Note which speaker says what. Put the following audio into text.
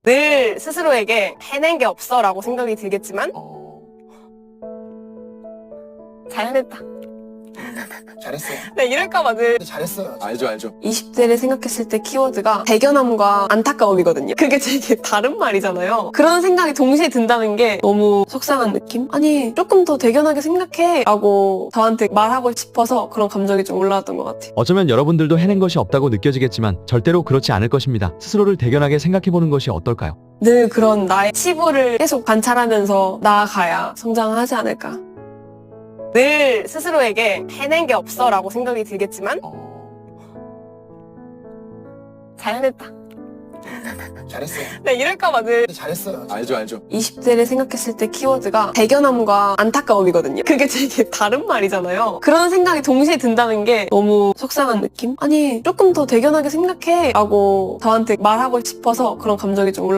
Speaker 1: 늘 스스로에게 해낸 게 없어 라고 생각이 들겠지만 잘해냈다.
Speaker 2: 잘했어요.
Speaker 1: 네, 이럴까봐 늘
Speaker 2: 잘했어요.
Speaker 3: 알죠.
Speaker 1: 20대를 생각했을 때 키워드가 대견함과 안타까움이거든요. 그게 되게 다른 말이잖아요. 그런 생각이 동시에 든다는 게 너무 속상한 느낌? 아니, 조금 더 대견하게 생각해 라고 저한테 말하고 싶어서 그런 감정이 좀 올라왔던 것 같아요.
Speaker 4: 어쩌면 여러분들도 해낸 것이 없다고 느껴지겠지만 절대로 그렇지 않을 것입니다. 스스로를 대견하게 생각해보는 것이 어떨까요?
Speaker 1: 늘 그런 나의 치부를 계속 관찰하면서 나아가야 성장하지 않을까. 늘 스스로에게 해낸 게 없어 라고 생각이 들겠지만 잘해냈다.
Speaker 2: 잘했어요.
Speaker 1: 네, 이럴까봐 늘
Speaker 2: 잘했어요.
Speaker 3: 알죠.
Speaker 1: 20대를 생각했을 때 키워드가 대견함과 안타까움이거든요. 그게 되게 다른 말이잖아요. 그런 생각이 동시에 든다는 게 너무 속상한 느낌? 아니, 조금 더 대견하게 생각해 라고 저한테 말하고 싶어서 그런 감정이 좀 올라왔던 것 같아요.